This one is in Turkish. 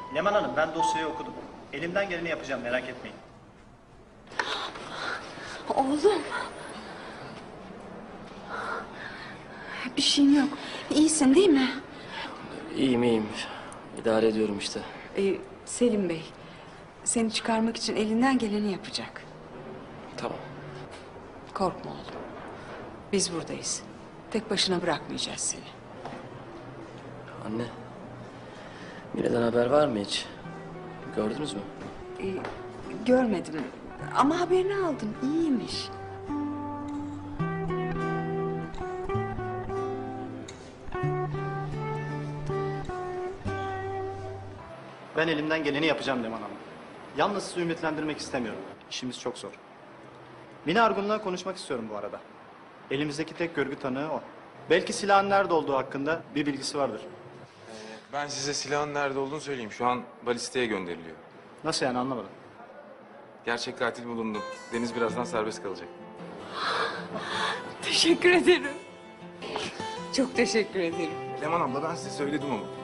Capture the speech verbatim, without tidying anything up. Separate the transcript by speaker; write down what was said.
Speaker 1: Leman Hanım, ben dosyayı okudum. Elimden geleni yapacağım, merak etmeyin.
Speaker 2: Oğlum. Bir şeyin yok. İyisin değil mi?
Speaker 3: İyiyim iyiyim. İdare ediyorum işte.
Speaker 2: Ee, Selim Bey, seni çıkarmak için elinden geleni yapacak.
Speaker 3: Tamam.
Speaker 2: Korkma oğlum. Biz buradayız. Tek başına bırakmayacağız seni.
Speaker 3: Anne. Mine'den haber var mı hiç? Gördünüz mü?
Speaker 2: Ee, görmedim ama haberini aldım. İyiymiş.
Speaker 1: Ben elimden geleni yapacağım Leman Hanım. Yalnız sizi ümitlendirmek istemiyorum. İşimiz çok zor. Mine Argun'la konuşmak istiyorum bu arada. Elimizdeki tek görgü tanığı o. Belki silahın nerede olduğu hakkında bir bilgisi vardır.
Speaker 4: Ben size silahın nerede olduğunu söyleyeyim. Şu an balisteye gönderiliyor.
Speaker 1: Nasıl yani, anlamadım.
Speaker 4: Gerçek katil bulundu. Deniz birazdan serbest kalacak.
Speaker 2: Teşekkür ederim. Çok teşekkür ederim.
Speaker 4: Leman abla ben size söyledim ama.